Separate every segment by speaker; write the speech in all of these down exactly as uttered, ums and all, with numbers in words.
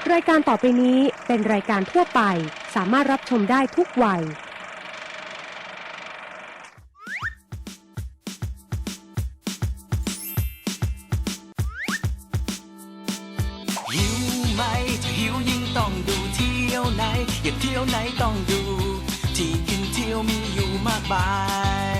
Speaker 1: รายการต่อไปนี้เป็นรายการทั่วไปสามารถรับชมได้ทุกวัย
Speaker 2: หิวไหมถ้าหิวยิ่งต้องดูเที่ยวไหนอยากเที่ยวไหนต้องดูที่กินเที่ยวมีอยู่มากมาย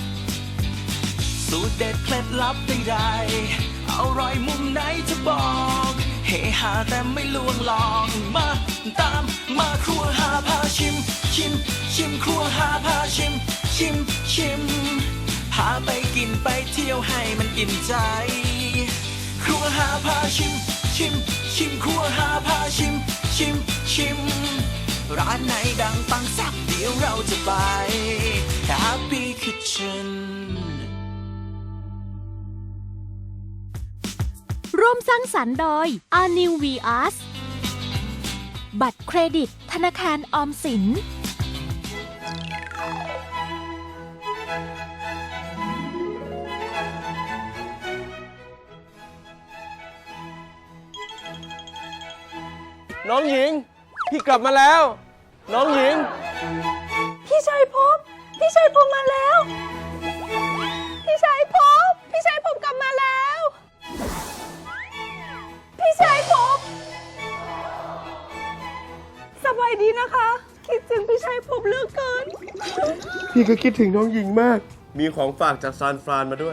Speaker 2: สูตรเด็ดเคล็ดลับใดๆอร่อยมุมไหนจะบอกเฮฮาแต่ไม่ลวงลองมาตามมาครัวหาพาชิมชิมชิมครัวหาพาชิมชิมชิมพาไปกินไปเที่ยวให้มันอิ่มใจครัวหาพาชิมชิมชิมครัวหาพาชิมชิมชิมร้านไหนดังปังแซ่บเดี๋ยวเราจะไป Happy Kitchen
Speaker 3: ร่วมสร้างสรรค์โดย อาร์ นิว วี อาร์ เอส บัตรเครดิตธนาคารออมสิน
Speaker 4: น้องหญิงพี่กลับมาแล้วน้องหญิง
Speaker 5: พี่ชัยภพพี่ชัยภพมาแล้วพี่ชัยภพพี่ชัยภพกลับมาแล้วพี่ชัยภพสบายดีนะคะคิดถึงพี่ชัยภพเหลือเกิน
Speaker 4: พี่ก็คิดถึงน้องหญิงมากมีของฝากจากซานฟรานมาด้วย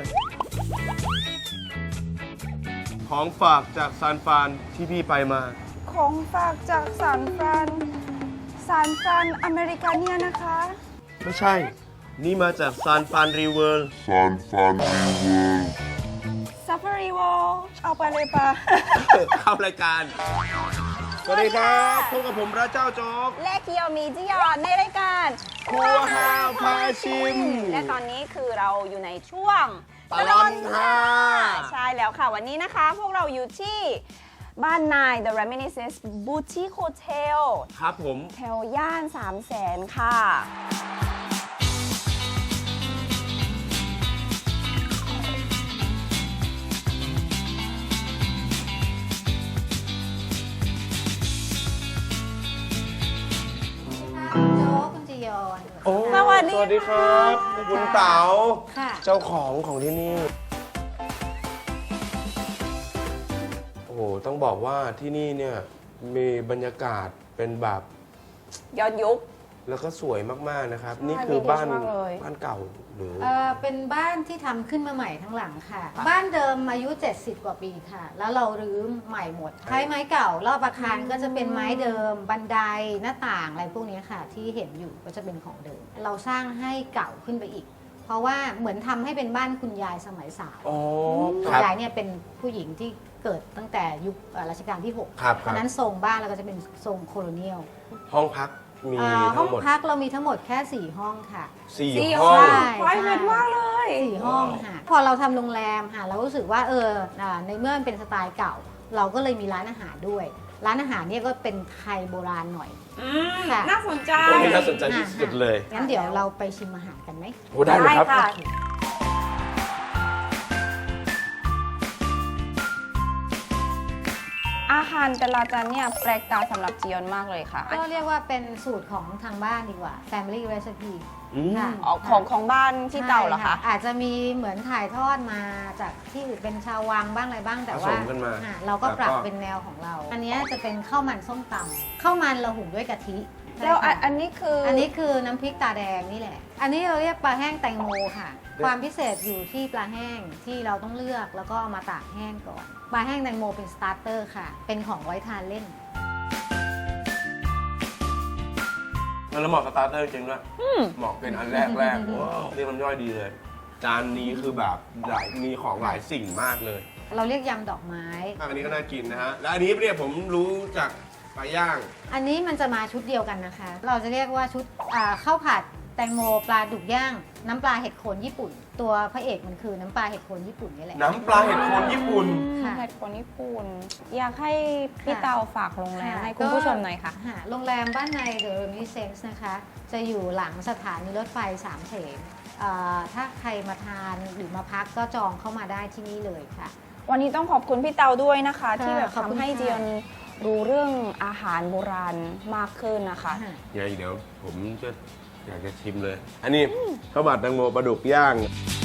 Speaker 4: ของฝากจากซานฟรานที่พี่ไปมา
Speaker 5: ของฝากจากซานฟรานซานฟรานอเมริกาเนี่ยนะคะ
Speaker 4: ไม่ใช่นี่มาจากซานฟรานรีเวิลด์ซานฟรานรีเวิลด์
Speaker 5: ซาฟารีวอลเอาไปเลยปะ
Speaker 4: เข้ารายการสวัสดีครับพบกับผมพระเจ้าโจ๊ก
Speaker 5: และเกียวมีจิยอนในรายการ
Speaker 4: ครัวห้าพาชิม
Speaker 5: และตอนนี้คือเราอยู่ในช่วง
Speaker 4: ตลอดห้า
Speaker 5: ใช่แล้วค่ะวันนี้นะคะพวกเราอยู่ที่บ้านนาย The Reminiscence Boutique Hotel
Speaker 4: ครับผม
Speaker 5: แถวย่านสามแสนค่ะ
Speaker 4: สวัสดีสวัสดีครับคุณเต๋าเจ้าของของที่นี่โอ้โหต้องบอกว่าที่นี่เนี่ยมีบรรยากาศเป็นแบบ
Speaker 5: ย้อนยุค
Speaker 4: แล้วก็สวยมากๆนะครับนี่คือบ้านบ้านเก่าหรือ
Speaker 6: เออเป็นบ้านที่ทำขึ้นมาใหม่ทั้งหลังค่ะบ้านเดิมอายุเจ็ดสิบกว่าปีค่ะแล้วเรารื้อใหม่หมดใช้ไม้เก่ารอบอาคารก็จะเป็นไม้เดิมบันไดหน้าต่างอะไรพวกนี้ค่ะที่เห็นอยู่ก็จะเป็นของเดิมเราสร้างให้เก่าขึ้นไปอีกเพราะว่าเหมือนทำให้เป็นบ้านคุณยายสมัยสาวคุณยายเนี่ยเป็นผู้หญิงที่เกิดตั้งแต่ยุครัชกาลที่หกเพราะนั้นทรงบ้านเราก็จะเป็นทรงโคโลเนียล
Speaker 4: ห้องพักมี
Speaker 6: ห้องพักเรามีทั้งหมดแค่สี่ห้องค่ะ
Speaker 4: สี่ห้อง
Speaker 5: ไฟเวทมากเลย
Speaker 6: สี่ห้องค่ะพอเราทำโรงแรมค่ะเรารู้สึกว่าเออในเมื่อมันเป็นสไตล์เก่าเราก็เลยมีร้านอาหารด้วยร้านอาหารเนี่ยก็เป็นไทยโบราณหน่อย
Speaker 5: ค่ะน่าสนใจ
Speaker 4: น่าสนใจที่สุดเลย
Speaker 6: งั้นเดี๋ยวเราไปชิมอาหารกันไหม
Speaker 4: โอ้ได้เลยครับ
Speaker 5: อาหารแต่ละจานเนี่ยแปลกตาสำหรับจียอนมากเลยค่ะ
Speaker 6: ก็เรียกว่าเป็นสูตรของทางบ้านดีกว่า Family Recipe
Speaker 5: ค่ะของของบ้านที่เต่าเหรอคะ
Speaker 6: อาจจะมีเหมือนถ่ายทอดมาจากที่อื่นเป็นชาววังบ้างอะไรบ้างแต่ว่าเราก็ปรับเป็นแนวของเราอันนี้จะเป็นข้าวมันส้มตำข้าวมันเราหุงด้วยกะทิ
Speaker 5: แล้วอันนี้คือ
Speaker 6: อันนี้คือน้ำพริกตาแดงนี่แหละอันนี้เราเรียกปลาแห้งแตงโมค่ะความพิเศษอยู่ที่ปลาแห้งที่เราต้องเลือกแล้วก็เอามาตากแห้งก่อนปลาแห้งแตงโมเป็นสตาร์เตอร์ค่ะเป็นของไว้ทานเล่น
Speaker 4: แล้วเหมาะสตาร์เตอร์จริงด้วยเหมาะเป็นอันแรกแรกว้าวนี่มันย่อยดีเลยจานนี้คือแบบหลายมีของหลายสิ่งมากเลย
Speaker 6: เราเรียกยำดอกไม้
Speaker 4: อันนี้ก็น่ากินนะฮะและอันนี้เนี่ยผมรู้จากปลาย่าง
Speaker 6: อันนี้มันจะมาชุดเดียวกันนะคะเราจะเรียกว่าชุดข้าวผัดแตงโมปลาดุกย่างน้ำปลาเห็ดโคนญี่ปุ่นตัวพระเอกมันคือน้ำปลาเห็ดโคนญี่ปุ่นนี่แหละ
Speaker 4: น้ำปลาเห็ดโคนญี่ปุ่น
Speaker 5: เห็ดโคนญี่ปุ่นอยากให้พี่เตาฝากโรงแรมให้คุณผู้ชมหน่อยค่ะ
Speaker 6: โรงแรมบ้านใน The Reminiscence นะคะจะอยู่หลังสถานีรถไฟสามเสนถ้าใครมาทานหรือมาพักก็จองเข้ามาได้ที่นี่เลยค่ะ
Speaker 5: วันนี้ต้องขอบคุณพี่เตาด้วยนะคะที่แบบทำให้จียอนรู้เรื่องอาหารโบราณมากขึ้นนะคะ
Speaker 4: ไงเดี๋ยวผมจะอยากจะชิมเลย อันนี้ข้าวผัดแตงโมปลาดุกย่าง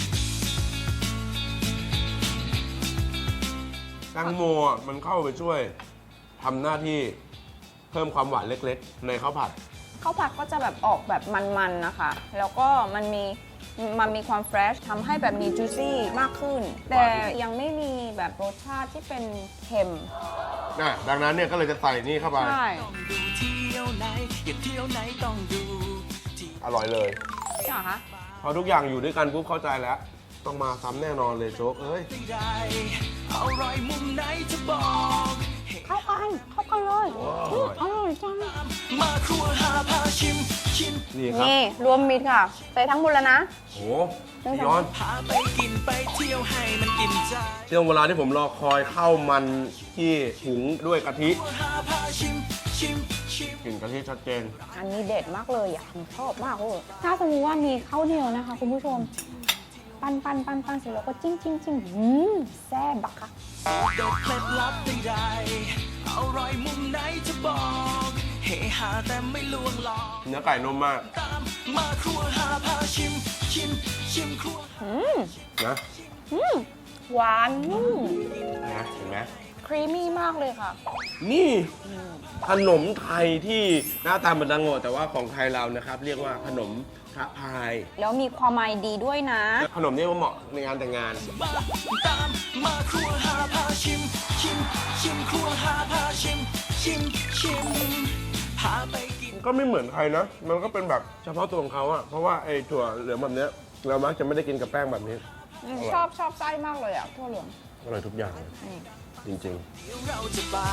Speaker 4: แตงโมอ่ะมันเข้าไปช่วยทำหน้าที่เพิ่มความหวานเล็กๆ ในข้าวผัด
Speaker 5: ข้าวผัดก็จะแบบออกแบบมันๆนะคะ แล้วก็มันมีมันมีความเฟรชทำให้แบบมีจูซี่มากขึ้น แต่ยังไม่มีแบบรสชาติที่เป็นเค็ม
Speaker 4: นะดังนั้นเนี่ยก็เลยจะใส่นี่เข้าไป
Speaker 5: ใช่
Speaker 2: ดูเที่ยวไหนอยากเที่ยวไหนต้องดูที่
Speaker 4: อร่อยเลย
Speaker 5: ใช่เหรอคะ
Speaker 4: พอทุกอย่างอยู่ด้วยกันปุ๊บเข้าใจแล้ว ต้องมาซ้ำแน่นอนเลยโจ๊กเอ้ย
Speaker 2: ใดๆอร่อยมุมไหนจะบอก
Speaker 5: เข้ากันเข้ากันเลยอืมอร่อยจัง
Speaker 2: มาครัวหาพาชิมชิม
Speaker 4: นี่ครับ
Speaker 5: นี่รวมมิตรค่ะ ใส่ทั้งหมดแล้วนะ
Speaker 4: โหพี่ย้อน
Speaker 2: พาไปกินไปเที่ยวให้มันอิ่มใจ
Speaker 4: ช่วงเวลาที่ผมรอคอยข้าวมันที่หุงด้วยกะทิ
Speaker 2: หาพาชิมชิมชิม
Speaker 4: กลิ่นกะทิชัดเจน
Speaker 5: อันนี้เด็ดมากเลยอ่ะผมชอบมากเลยถ้าสมมติว่ามีข้าวเหนียวนะคะคุณผู้ชม ปั้นปั้นปั้นปั้นเสร็จแล้วก็จิ้มจิ้มจิ้มอืมแซ่บบักค่ะ
Speaker 2: เด็ดเคล็ดลับใดๆอร่อยมุมไหนจะบอกเฮฮาแต่ไม่ลวงหลอก
Speaker 4: เนื้อไก่นุ่มมาก
Speaker 2: ตามมาครัวหาพาชิมชิมชิมครัว
Speaker 5: อืม
Speaker 4: นะ
Speaker 5: อืมหวานนุ่ม
Speaker 4: นะเห็นไหม
Speaker 5: ครีมมี่มากเลยค่ะ
Speaker 4: นี่ขนมไทยที่หน้าตาเหมือนแตงโมแต่ว่าของไทยเรานะครับ เรียกว่าขนมพระพาย
Speaker 5: แล้วมีความหมายดีด้วยนะ
Speaker 4: ขนมนี้ก็เหมาะในงานแต่งงาน
Speaker 2: มาตามมาครัวหาพาชิมชิมชิมครัวหาพาชิมชิมชิมพาไปกิน
Speaker 4: ก็ไม่เหมือนใครนะ มันก็เป็นแบบเฉพาะตัวของเขาอะเพราะว่าไอ้ถั่วเหลืองแบบเนี้ยเรามักจะไม่ได้กินกับแป้งแบบนี้
Speaker 5: ชอบชอบไส้มากเลยอ่ะทั่วเหลือง
Speaker 4: อร่อยทุกอย่างเลย
Speaker 5: นี่
Speaker 4: จริง
Speaker 2: เดี๋ยวเราจะไป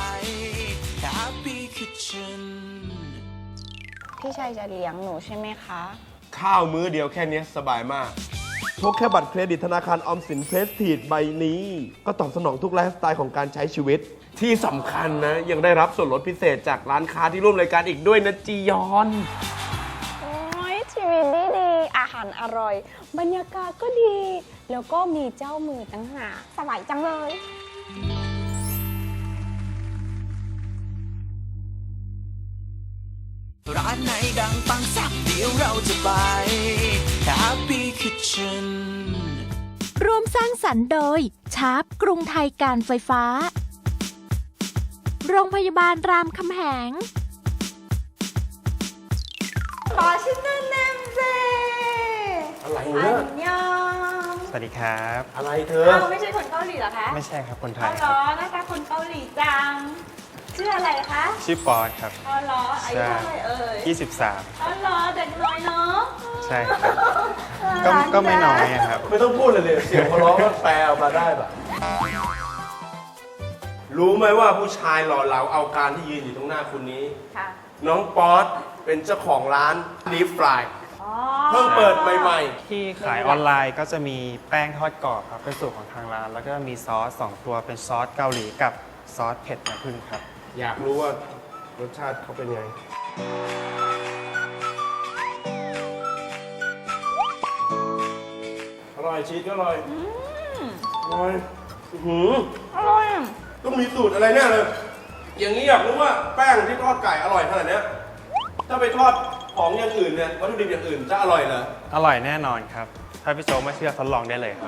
Speaker 2: Happy Kitchen
Speaker 5: พี่ชัยจะเลี้ยงหนูใช่ไหมคะ
Speaker 4: ๆ ข้าวมื้อเดียวแค่นี้สบายมากพกแค่บัตรเครดิตธนาคารออมสินเพรสทีดใบนี้ ก็ตอบสนองทุกไลฟ์สไตล์ของการใช้ชีวิต ที่สำคัญนะ ยังได้รับส่วนลดพิเศษจากร้านค้าที่ร่วมรายการอีกด้วยนะจียอน
Speaker 5: โอ้ยชีวิตดีดีอาหารอร่อย บรรยากาศก็ดี แล้วก็มีเจ้ามือตั้งหากสบายจังเลย
Speaker 2: ร้านไหนดังปังแซ่บเดี๋ยวเราจะไป Happy Kitchen
Speaker 3: ร่วมสร้างสรรค์โดยชาร์ปกรุงไทยการไฟฟ้า โรงพยาบาลรามคำแหง
Speaker 6: ขอชิมเนมเนมเจ
Speaker 4: อะไร
Speaker 6: อั
Speaker 4: เนี่ย
Speaker 6: นยอง
Speaker 7: สวัสดีครับ
Speaker 4: อะไรเธอ
Speaker 6: อ้าวไม่ใช่คนเกาหลีเหรอคะ
Speaker 7: ไม่ใช่ครับคนไท
Speaker 6: อ๋อย เห
Speaker 7: ค
Speaker 6: ร
Speaker 7: รับ
Speaker 6: อหน้าตาคนเกาหลีจัง ชื่ออะไรคะ
Speaker 7: ชื่อปอนครับ
Speaker 6: อ๋อเหรออายุเท่าไหร่เอ่ย
Speaker 7: ยี่สิบสาม
Speaker 6: อ๋อเหรอเด็กน้อยเนาะ
Speaker 7: ใช่ครับ ก็ก็ไม่น้อยอะครับ
Speaker 4: ไม่ต้องพูดเลยเลยเสียงเขาร้องก็แปลออกมาได้แบบรู้ไหมว่าผู้ชายหล่อเหลาเอาการที่ยืนอยู่ตรงหน้าคุณนี้
Speaker 6: ค่ะ
Speaker 4: น้องป๊อตเป็นเจ้าของร้านลีฟฟราย
Speaker 6: อ๋อ
Speaker 4: เพิ่งเปิดใหม่
Speaker 7: ที่ขายออนไลน์ก็จะมีแป้งทอดกรอบครับ เป็นสูตรของทางร้าน แล้วก็มีซอสสองตัวเป็นซอสเกาหลีกับซอสเผ็ดน้ำผึ้งครับ
Speaker 4: ๆ อยากรู้ว่ารสชาติเขาเป็นไง อร่อยชีสก็อร่อยอร่อยอื้อหือ
Speaker 5: อร่อยอะ
Speaker 4: ต้องมีสูตรอะไรแน่เลย อย่างนี้อยากรู้ว่าแป้งที่ทอดไก่อร่อยขนาดเนี้ยถ้าไปทอดของอย่างอื่นเนี่ยวัตถุดิบอย่างอื่นจะอร่อยเหรอ
Speaker 7: อร่อยแน่นอนครับ ถ้าพี่โจ๊กไม่เชื่อทดลองได้เลยครับ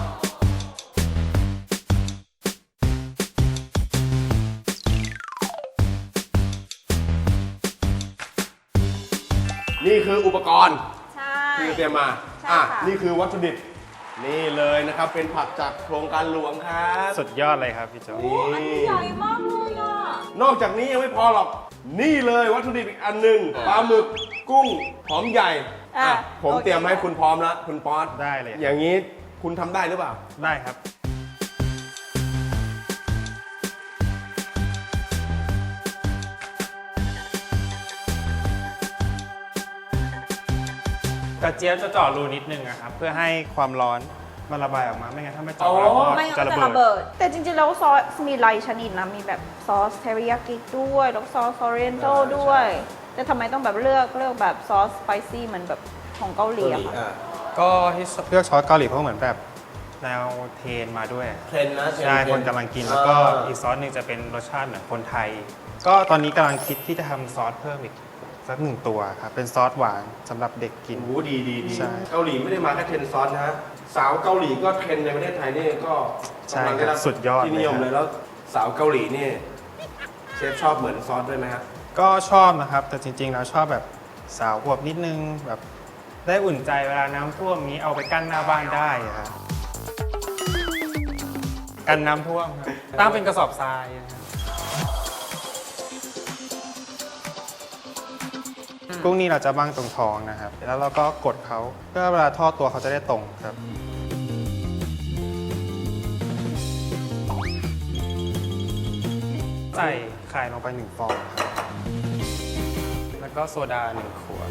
Speaker 4: นี่คืออุปกรณ์
Speaker 6: ใช่
Speaker 4: ที่เตรียมมา
Speaker 6: ใช่
Speaker 4: อ่ะ
Speaker 6: ค่ะ
Speaker 4: นี่คือวัตถุดิบ นี่เลยนะครับ เป็นผักจากโครงการหลวงครับ
Speaker 7: สุดยอดเลยครับพี่โจ๊ก
Speaker 4: นี่
Speaker 6: ใหญ่มากเลยอ่ะ
Speaker 4: นอกจากนี้ยังไม่พอหรอก นี่เลยวัตถุดิบอีกอันหนึ่งปลาหมึกกุ้งหอมใหญ่
Speaker 6: อ่ะ
Speaker 4: อ่ะผม
Speaker 6: โอเค
Speaker 4: เตรียมให้คุณพร้อมแล้ว คุณป๊อต
Speaker 7: ได้เลย
Speaker 4: อย่างนี้คุณทำได้หรือเปล่า
Speaker 7: ได้ครับ กระเจี๊ยบจะเจาะรูนิดนึงอะครับ เพื่อให้ความร้อนมันระบายออกมา ไม่งั้นถ้าไม่เจาะแล้วก็
Speaker 5: ไม่งั้น
Speaker 7: จะ
Speaker 5: ก็
Speaker 7: ระ
Speaker 5: จะ
Speaker 7: เบิ
Speaker 5: ระเบิ
Speaker 7: ด
Speaker 5: ด แต่จริงๆแล้วซอสมีหลายชนิดนะ มีแบบซอสเทริยากิด้วย แล้วก็ซอสออเรียนโต
Speaker 4: อ่า
Speaker 5: ด้วย
Speaker 4: ใช่
Speaker 5: แต่ทำไมต้องแบบเลือกเลือกแบบซอสสไปซี่เหมือนแบบของเกาหลีอะค่ะ
Speaker 4: อ่ะ
Speaker 7: ก็ที่เลือกซอสเกาหลีเพราะเหมือนแบบแนวเทรนมาด้วย
Speaker 4: เทรนนะเทรน
Speaker 7: ใช่
Speaker 4: เทร
Speaker 7: คนกำลังกินแล้วก็
Speaker 4: อ่า
Speaker 7: อีกซอสหนึ่งจะเป็นรสชาติเหมือนคนไทย ก็ตอนนี้กำลังคิดที่จะทำซอสเพิ่มอีกสักหนึ่งตัวครับเป็นซอสหวานสำหรับเด็กกิน
Speaker 4: โอ้โหดีดีดี
Speaker 7: ใช่
Speaker 4: เกาหลีไม่ได้มาแค่เทรนซอสนะฮะสาวเกาหลีก็เทรนในประเทศไทยนี่ก็
Speaker 7: ใช่
Speaker 4: กำลัง
Speaker 7: ครับ
Speaker 4: ได้รับ
Speaker 7: สุดยอด
Speaker 4: ที่นิยม
Speaker 7: เลยครับ
Speaker 4: เลยแล้วสาวเกาหลีนี่เชฟชอบเหมือนซอสด้วยไหมฮะ
Speaker 7: ก็ชอบนะครับ แต่จริงๆแล้วชอบแบบสาวอวบนิดนึงแบบได้อุ่นใจเวลาน้ำท่วมนี้เอาไปกั้นหน้าบ้านได้อะครับกันน้ำท่วมครับตั้งเป็นกระสอบทรายนะครับกุ้งนี่เราจะบ้างตรงท้องนะครับ แล้วเราก็กดเขาเพื่อเวลาทอดตัวเขาจะได้ตรงครับ ใส่ไข่ลงไปหนึ่งฟองครับ แล้วก็โซดาหนึ่งขวด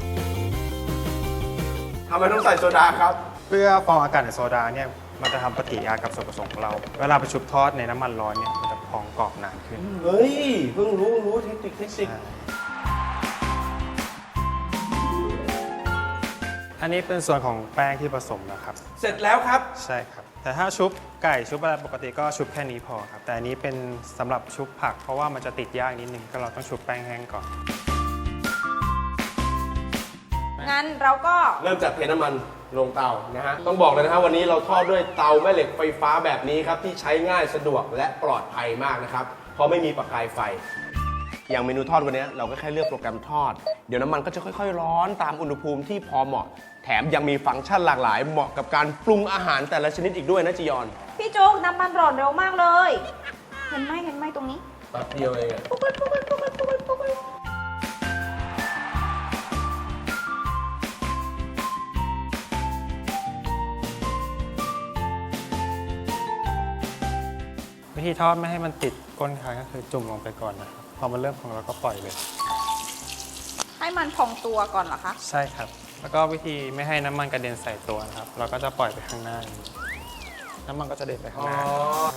Speaker 4: ทำไมต้องใส่โซดาครับ
Speaker 7: เพื่อฟองอากาศในโซดาเนี่ยมันจะทำปฏิกิริยากับส่วนผสมของเรา เวลาไปชุบทอดในน้ำมันร้อนเนี่ยมันจะพองกรอบนานขึ้น
Speaker 4: เฮ้ย เพิ่งรู้รู้เทคนิคเทคนิค
Speaker 7: อันนี้เป็นส่วนของแป้งที่ผสมนะครับ
Speaker 4: เสร็จแล้วครับ
Speaker 7: ใช่ครับ แต่ถ้าชุบไก่ชุบอะไรปกติก็ชุบแค่นี้พอครับ แต่อันนี้เป็นสำหรับชุบผัก เพราะว่ามันจะติดยากนิดนึงก็เราต้องชุบแป้งแห้งก่อน
Speaker 5: งั้นเราก็
Speaker 4: เริ่มจากเทน้ำมันลงเตานะฮะ ต้องบอกเลยนะฮะวันนี้เราทอดด้วยเตาแม่เหล็กไฟฟ้าแบบนี้ครับที่ใช้ง่ายสะดวกและปลอดภัยมากนะครับ เพราะไม่มีประกายไฟ อย่างเมนูทอดวันนี้เราก็แค่เลือกโปรแกรมทอด เดี๋ยวน้ำมันก็จะค่อยๆ ร้อนตามอุณหภูมิที่พอเหมาะ แถมยังมีฟังก์ชันหลากหลายเหมาะกับการปรุงอาหารแต่ละชนิดอีกด้วยนะจียอน
Speaker 5: พี่โจ๊กน้ำมันร้อนเร็วมากเลย เห็นไหมเห็นไหมตรงนี้
Speaker 4: แป๊บเดียวเองอะ
Speaker 5: ปุ๊บปุ๊บปุ๊บปุ๊บปุ๊บปุ๊บปุ๊บ
Speaker 7: วิธีทอดไม่ให้มันติดก้นคางก็คือจุ่มลงไปก่อนนะครับ พอมันเริ่มพองเราก็ปล่อยเลย
Speaker 5: ให้มันพองตัวก่อนเหรอคะ
Speaker 7: ใช่ครับ แล้วก็วิธีไม่ให้น้ำมันกระเด็นใส่ตัวนะครับ เราก็จะปล่อยไปข้างหน้าอย่างนี้น้ำมันก็จะเด็นไปข้างหน้า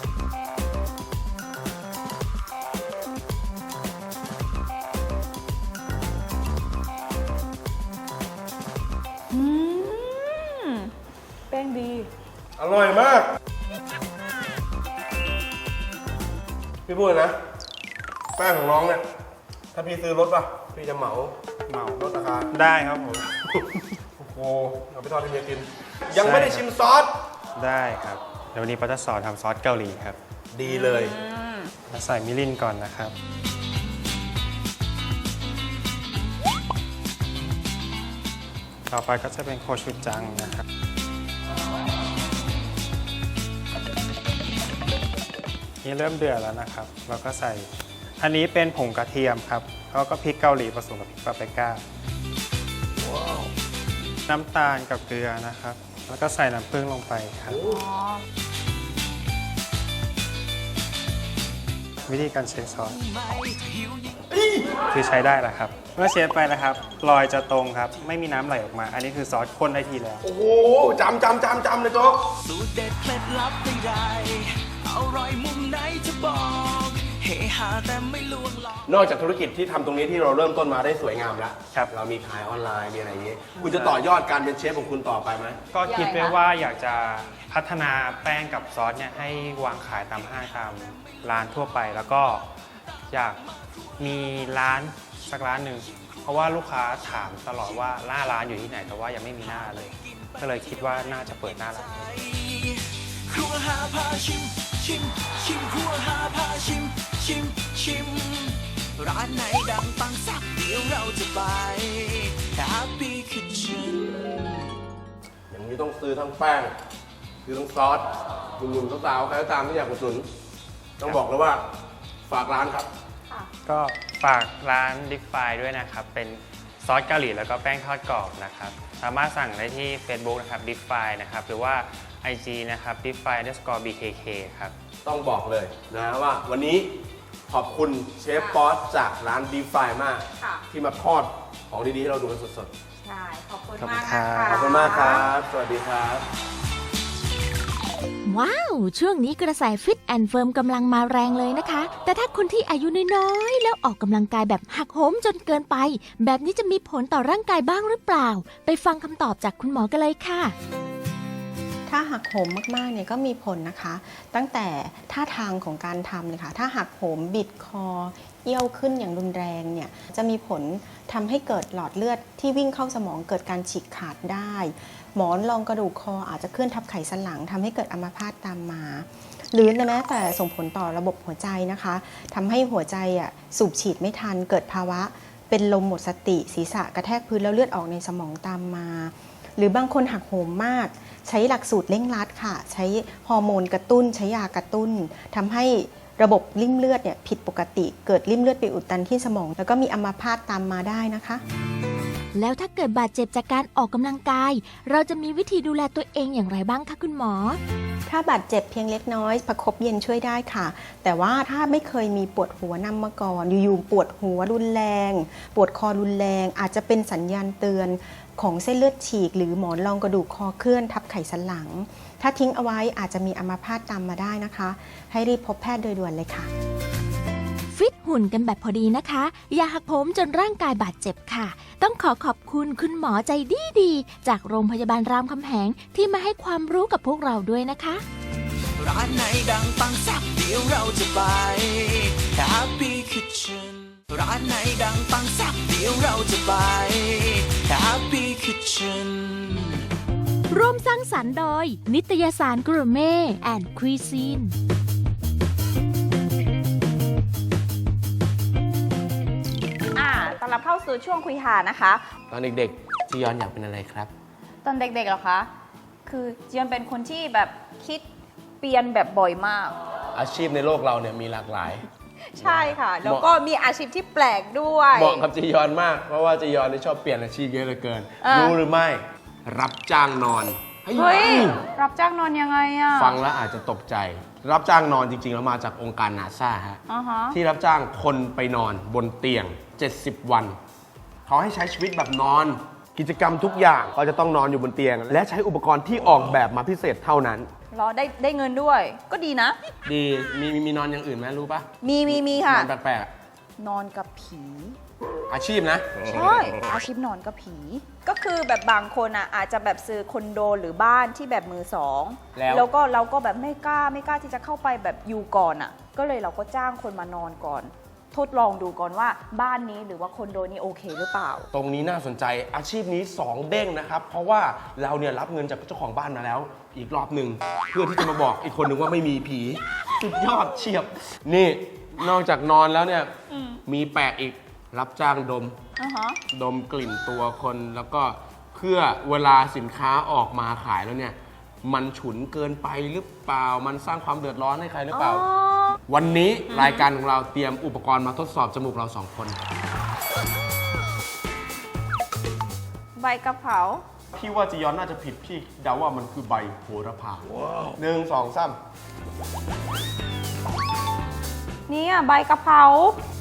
Speaker 5: อืมแป้งดี
Speaker 4: อร่อยมาก พี่พูดเลยนะ แป้งของน้องเนี่ย ถ้าพี่ซื้อรถป่ะ พี่จะเหมา
Speaker 7: เหมา
Speaker 4: ลดราคา
Speaker 7: ได้ครับผม
Speaker 4: โอ้โห เอาไปทอดให้เมียกิน ยังไม่ได้ชิมซอส
Speaker 7: ได้ครับ เดี๋ยววันนี้ป้าจะสอนทำซอสเกาหลีครับ
Speaker 4: ดีเลย
Speaker 7: มาใส่มิรินก่อนนะครับ ต่อไปก็จะเป็นโคชูจังนะครับ นี่เริ่มเดือดแล้วนะครับ เราก็ใส่ อันนี้เป็นผงกระเทียมครับ แล้วก็พริกเกาหลีผสมกับพริกปาปริก้า น้ำตาลกับเกลือนะครับ แล้วก็ใส่น้ำผึ้งลงไปครับ วิธีการเช็คซอสคือใช้ได้แล้วครับ เมื่อเช็คไปนะครับรอยจะตรงครับ ไม่มีน้ำไหลออกมา อันนี้คือซอสข้นได้ทีแล้ว
Speaker 4: โอ้โหจำจำจำจำเลยโจ๊ก
Speaker 2: สูตรเด็ดเคล็ดลับใดๆอร่อยมุมไหนจะบอกเฮฮาแต่ไม่ลวงหลอก
Speaker 4: นอกจากธุรกิจที่ทำตรงนี้ที่เราเริ่มต้นมาได้สวยงามแล้ว
Speaker 7: ครับ
Speaker 4: เรามีขายออนไลน์มีอะไรอย่างงี้ คุณจะต่อยอดการเป็นเชฟของคุณต่อไปไหม
Speaker 7: ก็คิดไว้ว่าอยากจะพัฒนาแป้งกับซอสเนี่ยให้วางขายตามห้างตามร้านทั่วไป แล้วก็อยากมีร้านสักร้านหนึ่งเพราะว่าลูกค้าถามตลอดว่าหน้าร้านอยู่ที่ไหนแต่ว่ายังไม่มีหน้าเลย ก็เลยคิดว่าน่าจะเปิดหน้าร้าน
Speaker 2: ครัวหาพาชิม ชิม ชิมครัวหาพาชิม ชิม ชิม ร้านไหนดังปังสักเดี๋ยวเราจะไป Happy Kitchen
Speaker 4: อย่างนี้ต้องซื้อทั้งแป้งซื้อทั้งซอสหนุ่มๆสาวๆใครก็ตามที่อยากอุดหนุนต้องบอกเลยว่าฝากร้านครับ
Speaker 7: ก็ฝากร้านดิฟไฟด้วยนะครับ เป็นซอสเกาหลีแล้วก็แป้งทอดกรอบนะครับ สามารถสั่งได้ที่ Facebook นะครับดิฟไฟนะครับ หรือว่า ไอ จี นะครับ ดิฟไฟ underscore บี เค เค ครับ
Speaker 4: ต้องบอกเลยนะว่าวันนี้ขอบคุณเชฟป๊อตจากร้านดีฟายมาก
Speaker 5: ค่ะ
Speaker 4: ที่มาทอดของดีๆให้เราดูกันสด
Speaker 5: ใช่ ขอบคุณ
Speaker 7: ขอบคุณ
Speaker 5: มาก
Speaker 7: ครั
Speaker 5: นะ
Speaker 7: บ
Speaker 5: คะ
Speaker 4: ๆ ขอบคุณมากครับ สวัสดีครับ
Speaker 3: ว้าว ช่วงนี้กระแสฟิตแอนด์เฟิร์มกำลังมาแรงเลยนะคะ แต่ถ้าคนที่อายุน้อยๆ แล้วออกกำลังกายแบบหักโหมจนเกินไป แบบนี้จะมีผลต่อร่างกายบ้างหรือเปล่า ไปฟังคำตอบจากคุณหมอกันเลยค่ะ
Speaker 8: ถ้าหักโหมมากๆเนี่ยก็มีผลนะคะ ตั้งแต่ท่าทางของการทำเลยค่ะถ้าหักโหมบิดคอเอี้ยวขึ้นอย่างรุนแรงเนี่ยจะมีผลทำให้เกิดหลอดเลือดที่วิ่งเข้าสมองเกิดการฉีกขาดได้ หมอนรองกระดูกคออาจจะเคลื่อนทับไขสันหลังทำให้เกิดอัมพาตตามมา หรือแม้แต่ส่งผลต่อระบบหัวใจนะคะทำให้หัวใจอ่ะสูบฉีดไม่ทันเกิดภาวะเป็นลมหมดสติศีรษะกระแทกพื้นแล้วเลือดออกในสมองตามมา หรือบางคนหักโหมมากใช้หลักสูตรเร่งรัดค่ะใช้ฮอร์โมนกระตุ้นใช้ยากระตุ้นทำให้ระบบริ่มเลือดเนี่ยผิดปกติเกิดริ่มเลือดไปอุดตันที่สมองแล้วก็มีอัมพาตตามมาได้นะคะ
Speaker 3: แล้วถ้าเกิดบาดเจ็บจากการออกกำลังกาย เราจะมีวิธีดูแลตัวเองอย่างไรบ้างคะคุณหมอ
Speaker 8: ถ้าบาดเจ็บเพียงเล็กน้อยประคบเย็นช่วยได้ค่ะ แต่ว่าถ้าไม่เคยมีปวดหัวนำมาก่อนอยู่ๆปวดหัวรุนแรง ปวดคอรุนแรง อาจจะเป็นสัญญาณเตือนของเส้นเลือดฉีกหรือหมอนรองกระดูกคอเคลื่อนทับไขสันหลัง ถ้าทิ้งเอาไว้อาจจะมีอัมพาตตามมาได้นะคะ ให้รีบพบแพทย์โดยด่วนเลยค่ะ
Speaker 3: ฟิตหุ่นกันแบบพอดีนะคะ อย่าหักโหมจนร่างกายบาดเจ็บค่ะ ต้องขอขอบคุณคุณหมอใจดีดีๆจากโรงพยาบาลรามคำแหงที่มาให้ความรู้กับพวกเราด้วยนะคะ
Speaker 2: ร้านไหนดังปังแซ่บเดี๋ยวเราจะไป Happy Kitchen ร้านไหนดังปังแซ่บเดี๋ยวเราจะไป Happy Kitchen
Speaker 3: ร่วมสร้างสรรค์โดย นิตยสารกรูเม่แอนด์คุยซีน
Speaker 5: อ่าต้อนรับเข้าสู่ช่วงคุยหานะคะ
Speaker 4: ตอนเด็กๆจียอนอยากเป็นอะไรครับ
Speaker 5: ตอนเด็กๆเหรอคะ คือจียอนเป็นคนที่แบบคิดเปลี่ยนแบบบ่อยมาก
Speaker 4: อาชีพในโลกเราเนี่ยมีหลากหลาย
Speaker 5: ใช่ค่ะ แล้วก็มีอาชีพที่แปลกด้วย
Speaker 4: เหมาะกับจียอนมาก เพราะว่าจียอนนี่ชอบเปลี่ยนอาชีพเยอะเหลือเกิน
Speaker 5: อ่ารู้
Speaker 4: รู้หรือไม่ รับจ้างนอน
Speaker 5: เฮ้ย รับจ้างนอนยังไงอะ
Speaker 4: ฟังแล้วอาจจะตกใจ รับจ้างนอนจริงๆแล้วมาจากองค์การนาซาฮะ
Speaker 5: อ่าฮะ
Speaker 4: ที่รับจ้างคนไปนอนบนเตียง เจ็ดสิบ วัน เขาให้ใช้ชีวิตแบบนอน กิจกรรมทุกอย่างเขาจะต้องนอนอยู่บนเตียง และใช้อุปกรณ์ที่ออกแบบมาพิเศษเท่านั้น
Speaker 5: รอได้ได้เงินด้วย ก็ดีนะ
Speaker 4: ดีมีมีมีนอนอย่างอื่นไหมรู้ปะ
Speaker 5: มีมีมีค่ะ
Speaker 4: นอนแปลกๆอะ
Speaker 5: นอนกับผี
Speaker 4: อาชีพนะ
Speaker 5: ใช่อาชีพนอนกับผี ก็คือแบบบางคนอ่ะอาจจะแบบซื้อคอนโดหรือบ้านที่แบบมือสอง
Speaker 4: แล้ว
Speaker 5: แล้วก็เราก็แบบไม่กล้าไม่กล้าที่จะเข้าไปแบบอยู่ก่อนอ่ะ ก็เลยเราก็จ้างคนมานอนก่อน ทดลองดูก่อนว่าบ้านนี้หรือว่าคอนโดนี้โอเคหรือเปล่า
Speaker 4: ตรงนี้น่าสนใจอาชีพนี้สองเด้งนะครับ เพราะว่าเราเนี่ยรับเงินจากเจ้าของบ้านมาแล้ว อีกรอบหนึ่งเพื่อที่จะมาบอกอีกคนหนึ่งว่าไม่มีผีสุดยอดเฉียบ นี่นอกจากนอนแล้วเนี่ยมีแปลกอีกรับจ้างดม
Speaker 5: อ่าฮะ
Speaker 4: ดมกลิ่นตัวคนแล้วก็เพื่อเวลาสินค้าออกมาขายแล้วเนี่ยมันฉุนเกินไปหรือเปล่ามันสร้างความเดือดร้อนให้ใครหรือเปล่า วันนี้รายการของเราเตรียมอุปกรณ์มาทดสอบจมูกเราสองคน
Speaker 5: ใบกระเพรา
Speaker 4: พี่ว่าจียอนน่าจะผิดพี่เดาว่ามันคือใบโหระพาหนึ่งสองสาม
Speaker 5: เนี่ยใบกะเพรา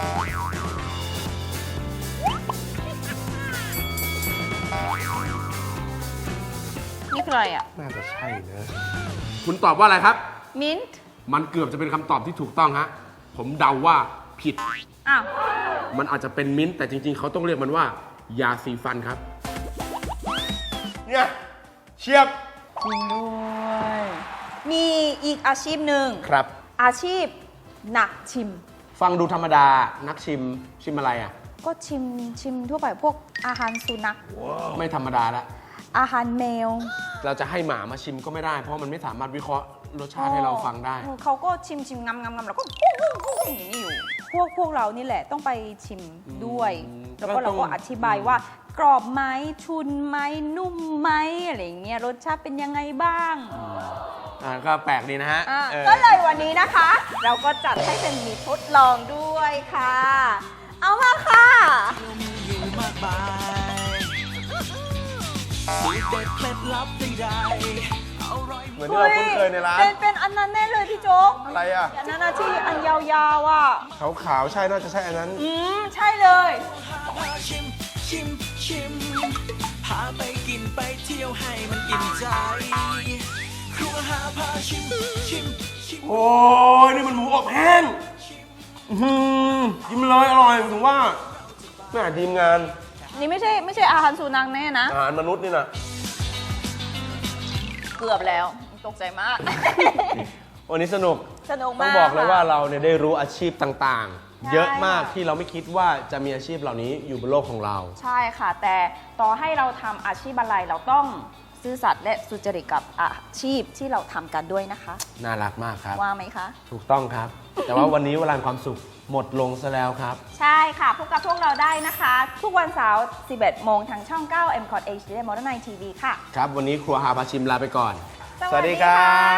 Speaker 5: นี่คืออะไรอ่ะ
Speaker 4: น่าจะใช่นะคุณตอบว่าอะไรครับ
Speaker 5: มิ้นท์
Speaker 4: มันเกือบจะเป็นคำตอบที่ถูกต้องฮะผมเดาว่าผิด
Speaker 5: อ้าว
Speaker 4: มันอาจจะเป็นมิ้นท์แต่จริงๆเขาต้องเรียกมันว่า ยาสีฟันครับเนี่ยเชียบ
Speaker 5: จริงด้วยมีอีกอาชีพหนึ่ง
Speaker 4: ครับ
Speaker 5: อาชีพนักชิม
Speaker 4: ฟังดูธรรมดานักชิมชิมอะไรอ่ะ
Speaker 5: ก็ชิมชิมทั่วไปพวกอาหารสุนัข
Speaker 4: ไม่ธรรมดาละ
Speaker 5: อาหารแมว
Speaker 4: เราจะให้หมามาชิมก็ไม่ได้ เพราะมันไม่สามารถวิเคราะห์รสชาติให้เราฟังได้
Speaker 5: เออเขาก็ชิมชิมงำงำงำแล้วก็อย่างนี้อยู่ พวกพวกเรานี่แหละต้องไปชิมด้วย
Speaker 4: อืม
Speaker 5: แล้วก็
Speaker 4: ก็ต้
Speaker 5: เรา
Speaker 4: อง
Speaker 5: ก็อธิบายว่ากรอบไหมชุนไหมนุ่มไหมอะไรอย่างเงี้ยรสชาติเป็นยังไงบ้าง
Speaker 4: อ่าก็แปลกดีนะฮะ
Speaker 5: อ่ะ
Speaker 4: เออ
Speaker 5: ก็เลยวันนี้นะคะ เราก็จัดให้เป็นมีทดลองด้วยค่ะ เอามาค่ะ
Speaker 2: อยู่มากมายสูตรเด็ดเคล็ดลับใดๆอร่อย
Speaker 4: เหมือนที่เราคุ้นเคยในร้าน
Speaker 5: เป็นเป็นอันนั้นแน่เลยพี่โจ๊ก
Speaker 4: อะไรอ่ะ
Speaker 5: อันนั้นนะที่อันยาวๆอ่ะ
Speaker 4: ขาวๆใช่น่าจะใช่อันนั้น
Speaker 5: อืม ใช่เลย
Speaker 2: พาชิมชิมชิมพาไปกินไปเที่ยวให้มันอิ่มใจ ครัวหาพาชิมชิมชิม
Speaker 4: โอ้ยนี่มันหมูอบแห้งอื้อหือกินเลยอร่อยถึงว่าแม่ทีมงาน
Speaker 5: นี่ไม่ใช่ไม่ใช่อาหารสุนัขแน่นะ
Speaker 4: อาหารมนุษย์นี่นะ
Speaker 5: เกือบแล้วตกใจมาก
Speaker 4: วันนี้สนุก
Speaker 5: สนุก
Speaker 4: ต้อ
Speaker 5: มาก
Speaker 4: งบอกเลย
Speaker 5: ค่ะ
Speaker 4: ว่าเราเนี่ยได้รู้อาชีพต่าง
Speaker 5: ใช่
Speaker 4: ๆ เยอะมาก
Speaker 5: ค่ะ
Speaker 4: ที่เราไม่คิดว่าจะมีอาชีพเหล่านี้อยู่บนโลกของเรา
Speaker 5: ใช่ค่ะ แต่ต่อให้เราทำอาชีพอะไรเราต้องซื่อสัตย์และสุจริตกับอาชีพที่เราทำกันด้วยนะคะ
Speaker 4: น่ารักมากครับ
Speaker 5: ว่าไหมคะ
Speaker 4: ถูกต้องครับ แต่ว่าวันนี้เวลาแห่งความสุขหมดลงซะแล้วครับ
Speaker 5: ใช่ค่ะพบกับพวกเราได้นะคะ ทุกวันเสาร์ สิบเอ็ดโมงทางช่อง เก้า เอ็ม คอท เอช ดี และ Modern Night ที วี ค่ะ
Speaker 4: ครับ วันนี้ครัวหาพาชิมลาไปก่อน
Speaker 5: สวัสดีค่ะ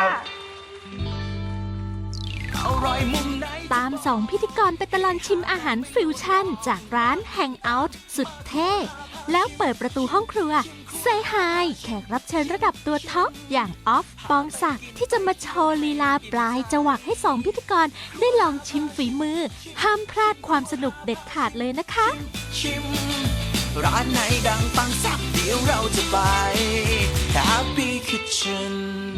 Speaker 2: อร่อยมุมไหน
Speaker 3: ตามสองพิธีกรไปตลอดชิมอาหารฟิวชั่น จากร้าน Hangout สุดเท่ แล้วเปิดประตูห้องครัวเซฮายแขกรับเชิญระดับตัวท็อป อย่างออฟ ปองศักดิ์ที่จะมาโชว์ลีลาปลายจวักให้สองพิธีกรได้ลองชิมฝีมือ ห้ามพลาดความสนุกเด็ดขาดเลยนะคะ
Speaker 2: ชิม ร้านไหนดังปังสักเดี๋ยวเราจะไป Happy Kitchen